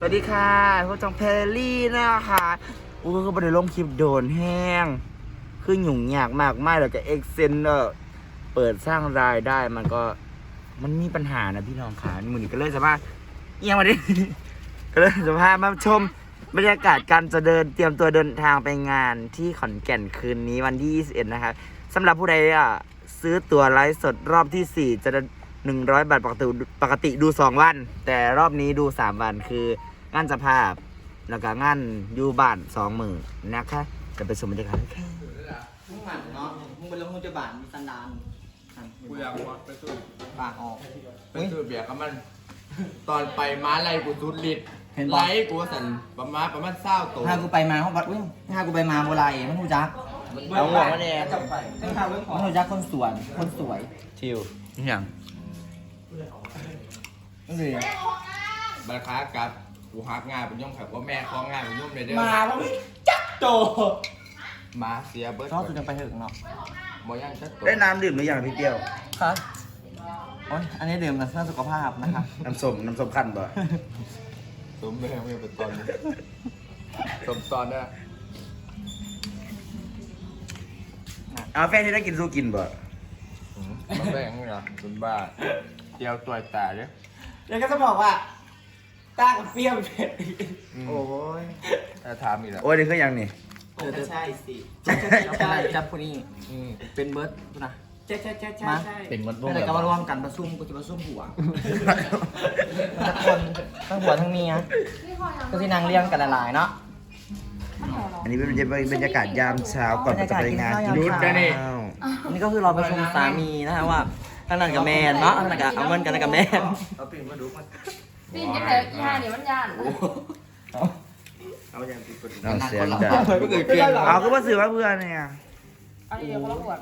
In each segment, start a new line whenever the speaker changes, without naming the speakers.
สวัสดีค่ะพวกจองเพลลี่นะคะก็ไม่ได้ลงคลิปโดนแห้งคือหยุ่งยากมากไม่แล้วก็เอ็กเซนเปิดสร้างรายได้มันมีปัญหานะพี่น้องค่ะมือนี้ก็เลยจะมาเอียงมาดิ ก็เลยจะพามาชมบรรยากาศการจะเตรียมตัวเดินทางไปงานที่ขอนแก่นคืนนี้วันที่21นะครับสำหรับผู้ใดซื้อตั๋วไลฟ์สดรอบที่4จะ100 บาทปกติดู2 วันแต่รอบนี้ดู3 วันคืองานสภาพแล้วก็งานอยู่บ้าน20,000นะคะจะไปชมบรรยากาศค่ะ
มึงหมันเนาะมึงไปลงมือจะบานมีสันดาน
กูอยากวัดไปสู้
ปากออก
ไปสู้เบียร์กับมัน ตอนไปม้าไล่กูสุดฤทธิ์
เห็นปะ
ไล่กูสั่นประมาณ20 ตัว
ถ้ากูไปมาเขาบัดอุ้ยถ้ากูไปมาโบราณมันหูจัก
เอาหัวมาเนี่ย
มันหูจักคนสวยคนสวย
ชิวอย่าง
นั่นเลย
บัตรค้ากับกูหักงานเป็นย่อมขับว่าแม่คล้องงานเป็นย่อมเลยเด้อ
มาแล้วจักโต
มาเสียเบิร์ด
ชอบสุดยังไปถึงเนาะ
มอยังชัดตัว
ได้น้ำดื่มหรือยังพี่เตี้ยว
ครับโอ้ยอันนี้ดื่มนะเพื่อสุขภาพนะครับ
น้ำส้มคั้นบ่
สมแม่ไม่เป็นตอนนี้สมตอนเนี่ย
เอาแฟนที่ได้กินสู้กินบ่
มาแบ่งนี่เหรอคุณบ้าเจียวตัวตาเนี่ย
แล้วก็จะบอกว่าต้ากับเปรี้ยวเผ็ด
โอ้ย
ถ้าถามอีกแล้ว
โอ้ยนี่คือยังนี่
ใช่สิจับคนนี้เป็นเบิร์ดนะใช่มา
เป็นมด
ไม่ได้ก็มาร่วมกันประชุมกูจะประชุมหัวทั้งคนทั้งหัวทั้งเมียก็ที่นางเลี้ยงกันหลายๆเนาะ
อันนี้เป็นบรรยากาศยามเช้าก่อนจะไปงานกินข้าว
อันนี้ก็คือเราประชุมสามีนะฮะว่าท่านนั่นกับแมนเนาะท่านนั่นกับเอาเงินกันกับแมน
เอาปิ่นมาดูมัน
ปีนยังไงอีห่าเนี่ยมันย่าน
เอาอย่างปิดกด
เราเสียงดัง
ก็เกิดเกลียน
เอาก็มาสื่อว่าเพื่อนเนี่ย
อันนี้เขาละขวด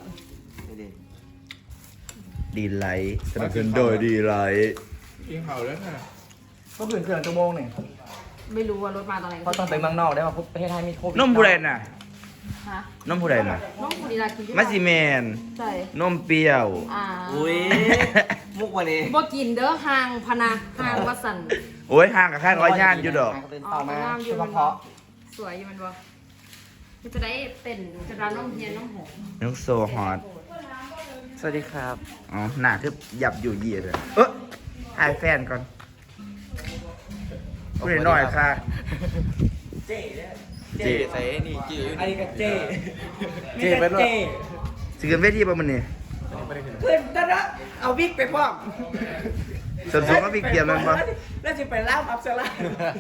ดีไลท์สนับสนุนโดยดีไลท์
กินเผาแล้วค่ะ
ก็เพื่อนเครื่องชั่วโมงหนึ่ง
ไม่รู้ว่ารถมาตอนไหน
เพราะต้องไปเมืองนอกได้ว่าประเทศไทยมีโควิด
นมผู้ใดน่ะ
ฮะ
นมผู้ใดน่ะ
น้องคุณดีลากิน
มัสซิเมน
ใช่
นมเปรี้ยว
อุ้ยมุกวันนี้
บ่กินเด้อห่างพนะห่างวัสัน
โอ้ยห่างกับข้างร้อยย่านอยู่ดอก
เป็นต่อมา
อ๋อ
เฉพาะ
สวยอยู่มันบ่จะได้เป็นจะร้านน้องเฮียนน้องหง
น้องโซฮอต
สวัสดีครับ
อ๋อหน้าคือหยับอยู่เหยียดเลยถ่ายแฟนก่อนพูดหน่อยค่ะ
เจ๊
เจ๊
ใส่นี่จี
อันนี้ก็เจ๊
เจ๊เป็นว่าสิเกินเวทีป่ะมันนี่
เพื่อนตอนนั้นเอาวิกไปพร้อม
ส่วนสูงก็มีเกียร์มันป่ะ
แล้วจะไปล่ามอับเซล่า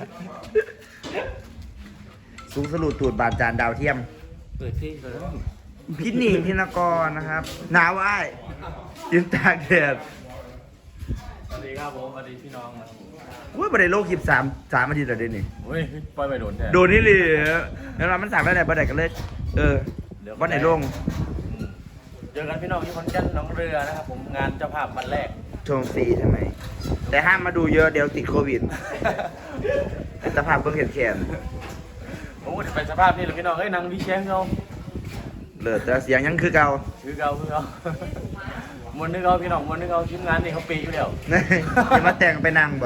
สูงสรุปตูดบาดจานดาวเทียม
เปิดที่เลย
พี่หนิงพินกรนะครับหนาวอ้ายยืนตากแดด
สวัสดีครับผมสวัสดีพี่น้องนะ
อุ้ยบันไดโลกคลิป3 อาทิตย์แล้วเดี๋ยวนี้
เฮ้ยปล่อยไปโดนแทน
โดนนี่เลยแล้วเรามันสั่งได้ไหนบันไดกันเลย วันไหนลง
เจอกันพี่น้องที่ขอนแก่นหน้องเรือนะครับผมงานเจ้าภาพวันแรก
ชมฟรีใช่ไหม แต่ห้ามมาดูเยอะเดี๋ยวติดโควิดสภาพเพิ่งเห็นแขน
ผมก็จะไปสภาพนี่แหละพี่น้องเอ้ยนางวิเชียงเรา
เหลือแต่เสียงยังคือเก่า
คือเก่าคือเก่า มวนนึกเอาพี่น้องมวนนึกเอาทีมงานนี่เขาปีอยู่แล้ว
จะมาแต่งไปนั่งบ่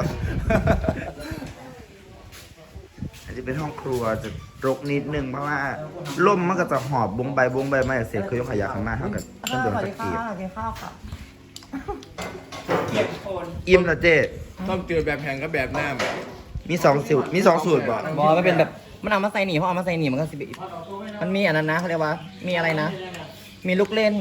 อาจจะเป็นห้องครัวจะรกนิดนึงเพราะว่าล่มมันก็จะหอบบงใบบไม่เสร็จคือยกขยะข้างหน้าเท่ากับต้นโดนตะกีบ
กินข้าวค่ะ
อิ่มแล้วเจ๊
ต้องเจอแบบแพงกับแบบหน้า
มี2 สูตรบ่
บอมันเป็นแบบมันเอามาใส่หนีเพราะเอามาใส่หนีมันก็สิบมันมีอันนั้นนะเขาเรียกว่า มีอะไรนะ มีลูกเล่น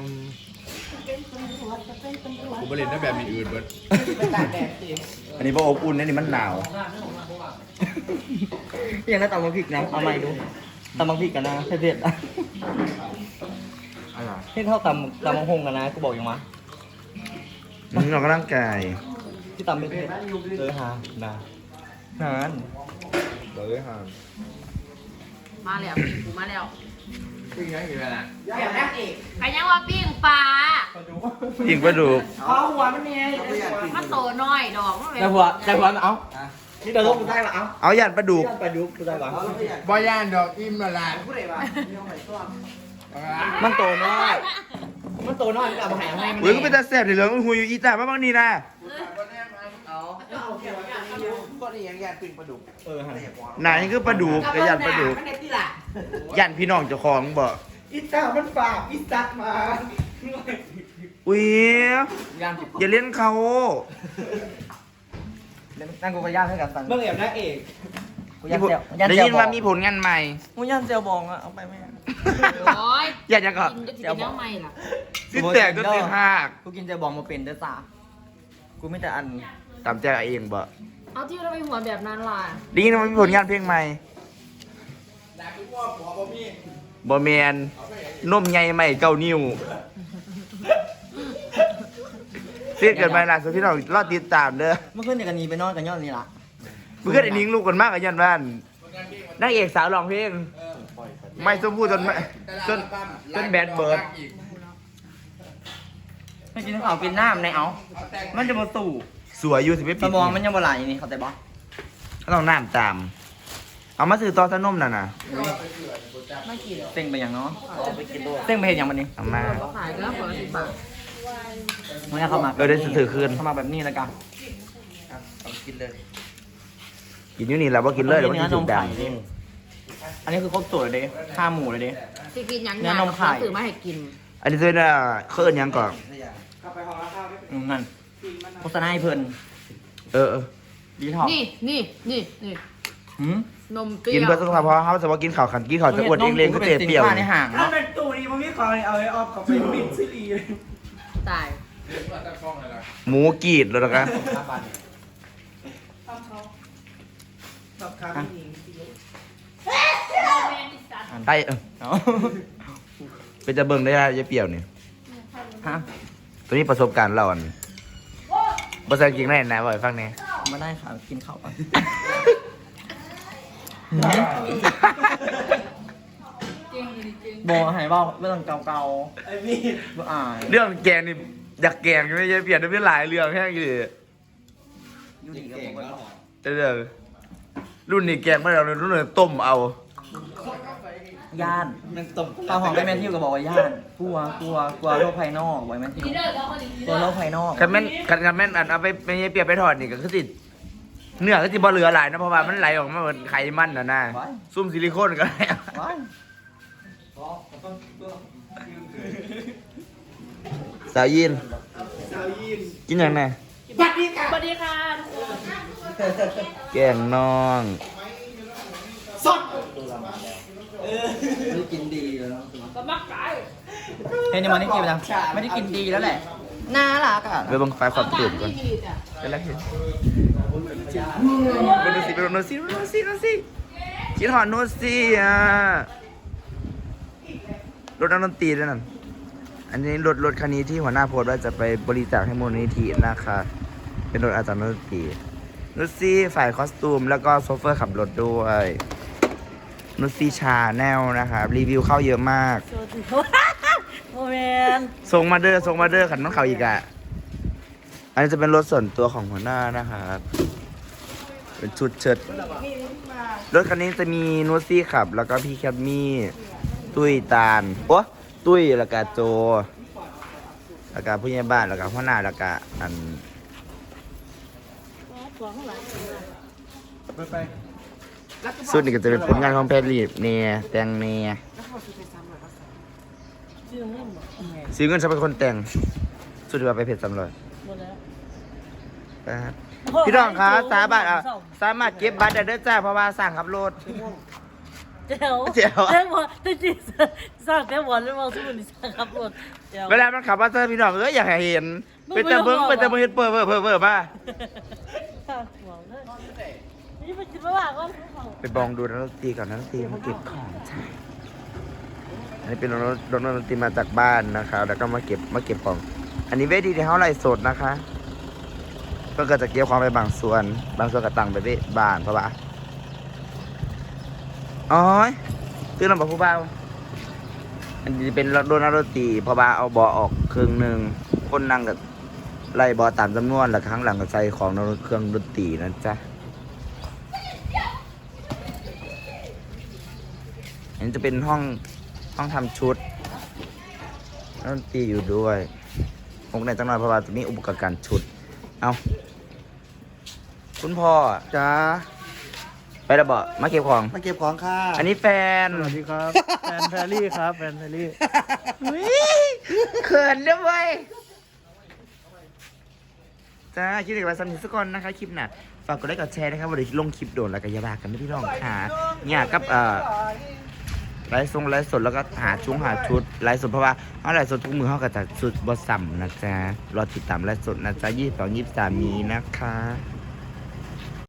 กูบริเวณแบบมีอื่นเบิร์ด
อันนี้พออบอุ่นนี่มันหนาว
ยังได้ตำบักพริกนะเอาใหม่ดูตำบักพริกกันนะเผ็ดๆอ่ะ
อะไร
ที่เท่าตำบักฮงกันนะกูบอกยังวะ
มึงออกกำลังกาย
ที่ตำเผ็ดๆฮะนะนาน
เราเลยห่าง
มาแล้วปิ้งปูมาแล้ว
คือยังอยู่น่ะ
ใครยังว่าปิ้งปลา
ยิงปลาดุก
อ๋อหัวมันเนี่ย
มันโตน้อยดอกมันเป็น
แต่หัวมันเอานี่เดี๋ยวลงกูได้ปะเอา
เอาหยัดปลาดุก
ไปดูกูได้ปะ
บ่ย่านดอกอิ่มละลาย
มันโตน้อยมันโตน้อยกับมาหายให้มัน
อุ้ยก็เป็นตาแสบเดี๋ยวเหลืองหุยอยู่อีตาบ้างนี่นะ
เอา
นี่ยังยันปิ่งปลาดุก
ไหนคือปลาดุกกระยันปลาดุกยันพี่น้องเจ้าของบ่
อีตามันฝากอีสัตว์มา
อุ้ย
ย่านผิด
อย่าเล่นเขา
นั่งกูก็ย่านให้กันตัง
เมื่อแอบนางเอก
กูย่านเซลย่าน
ได้
เซล
ยินว่ามีผลงานใหม่
กูย่านเซลบองอะเอาไปไหม
โอ้ย
อยากจะก่อน
กินจะกินน้ำไม่ล่ะ
สิแตกก็สิหัก
กูกินเซลบองมาเป็นเด้อซ่ากูไม่แต่อัน
ตามใจเองบ่
เอาที่เราไปหัวแบบนั้นล่ะ
ได้ยินว่ามีผลงานเพลงใหม่บ่แมนนมใหญ่ใหม่เก้านิ้วเสียเกินไปล่ะสุดพี่น้องรอติดตามเด้อ
เมื่อคืนเด็กกันนีไปนอนกันย้อนนี่ละ
เพื่อนไอ้นิ้งลูกกันมากกับยันบ้านนางเอกสาวร้องเพลงไม่สมพูดจนแบดเบิร์ด
ไม่กินข้าวกินน้ำในเอามันจะมาสู่
สวยอยู่สิไม่
ส
ปิด
มองมันยังบ่ไหลนี่เขาใจบ่
ต้องน้ำตาม เอามาซื้อตอสนมน่ะนะ
ไม่กิน
เต็งไปอย่างเนาะเต็งไปเห็นอย่างมันนี่
เอามา
ก็ขายก็คนละ10 บาท
มันจะเข้ามา
ได้ถือคืน
เข้ามาแบบนี้แล้วกัน
กินอยู่นี่แหละว่ากินเลยแล้วว่ากินจุดดัง
อันนี้คือครบสูตรเลยเด้ข้าหมูเลยเด้
สิกินหยัง
เนื้อนมไข่
ซื้อมาให้กิน
อันนี้เป็นเคลื่อนยังก่อน
นั่นโฆษณาให้เพิ่น
เออ
ดีท็อก
นี่
หืม
นมเปรี้ยว
กินเพื่อสุขภาพเพราะเขาจะว่ากินข่าวขันกินข่าวจะอวดเองเลยก็เจ็บเปรี้ยว
สินค้าในห่าง
ถ้า
เนาะ
เป็นตู้นี้มันมีของเอาไอ้ออฟกับไปปิดซีรีส์เลย
ตาย
หมูกรีดเลยนะคะ
กับข้าวนี่
ไอ้
เอา
เป็นจะเบิ่งได้จะเปรี้ยวนี่
ฮะ
ตัวนี้ประสบการณ์เราอันภาษาจริงได้นะบ่อยฟังเนี่ย
มาได้ค่ะกินข้าวก่อนโบหายเบาเรื่องเก่า
ไอ้นี่
ๆบ่อาย
เรื่องแกงนี่อยากแกงไม่ใช่เปลี่ยนเป็นหลายเรื่องแค่อยู่
อยู่ดีกับผมก็
เด้อรุ่นนี้แกงไม่เอารุ่นนี้ต้มเอา
ย่าน
มันตบ
ตาหอมไปแมนทิวก็บอกว่าย่านกลัวโลกภายนอกบอกแมนทิวกลัวโลกภายนอก
คันแม่นอันเอาไปไม่ใช่เปรียบไปทอดนี่ก็คือสิเนื้อก็สิบ่เหลือหลายนะเพราะว่ามันไหลออกมาเหมือนไขมันน่ะนะซุ่มซิลิโคนก็ได้
ว้าย
สาวยินกินอย่างไง
สวัสดีค่ะทุกคน
แกงน้อง
ไม่กินดีแล้ว
ก็มักไก่
เฮ้ยนี่มันไม่กินไปแล้วไม่ได้กินดีแล้วแหละน่ารักอ่ะ
ไปบังไฟความตื่นก่อนเป็นไรเห็นไปดูสิไปดูโนซี่คิดหอดโนซี่อ่ะรถนักดนตรีด้วยนั่นอันนี้รถคันนี้ที่หัวหน้าโพสต์ว่าจะไปบริจาคให้มูลนิธินะคะเป็นรถอาจารย์นักดนตรีโนซี่ฝ่ายคอสตูมแล้วก็โซเฟอร์ขับรถด้วยโนซี่ชาแนลนะครับรีวิวเข้าเยอะมาก
โมเมน
ส่งมาเดอร์ขันน้องเขาอีกอ่ะอันนี้จะเป็นรถส่วนตัวของหัวหน้านะครับเป็นชุดเชิดรถคันนี้จะมีนูซี่ขับ แล้วก็พี่แคทมี่ตุ้ยตาลโอ้ตุ้ยแล้วก็โจแล้วก็ผู้ใหญ่บ้านแล้วก็หัวหน้าแล้วก็อันสุดนี่ก็จะเป็นผลงานของแพทย์ลีบเนี่ยแต่งเนี่ยซื้อเงินฉันเป็นคนแต่งสุดที่ว่าไปเพจสำรวจพี่น้องคะสามารถเก็บบัตรได้ด้วยจ้าเพราะว่าสั่งขับรถ
เจ๋ว
เจ๋ว
เจ๋วแต่จริงสร้างแต่วันแล้วมองสมุนสร้างขับรถเจ๋ว
เวลามันขับมาเจอพี่น้องอยากให้เห็นเป็นแต่เบิ้งเห็นเปิดมา
สร้างหัวเลยนี่มันคิดว่าก็
ไปบองดูนักดนตรีก่อนนักดนตรีมาเก็บของใช่อันนี้เป็นรถนักดนตรีมาจากบ้านนะคะแล้วก็มาเก็บของ อันนี้เวทีที่เขาไล่สดนะคะเพื่อก็จะเก็บของไปบางส่วนก็ตั้งไปบ้านเพราะว่าอ๋อซื้อลำบากผู้เบาอันนี้เป็นรถนักดนตรีเพราะว่าเอาเบาะออกครึ่งหนึ่งคนนั่งกับไล่เบาะตามจำนวนแล้วข้างหลังก็ใส่ของเครื่องดนตรีนะจ๊ะอันนี้จะเป็นห้องทำชุดนักดนตรีอยู่ด้วยคงในจังหวัดเพราะว่าจะมีอุปกรณ์การชุดเอาคุณพ่อ
จ้า
ไปแล้วบ่มาเก็บของ
มาเก็บของค่ะ
อันนี้แฟน
สวัสดีครับ แฟนแพรรี่ครับ แฟนแพรรี่
เขินด้วยเว้ยจ้าคลิปเด็กวัยสนิทสักคนนะคะคลิปน่ะฝากกดไลค์กดแชร์นะครับวันนี้ลงคลิปโดนแล้วก็อย่าบ้ากันไม่พี่น้องค่ะเนี่ยกับไลฟ์สดแล้วก็หาชุดไลฟ์สดเพราะว่าเขาไลฟ์สดทุกมือเขาก็จะสุดบอสัมนะจ๊ะรอติดตามไลฟ์สดนะจ๊ะ22 23นี้นะคะ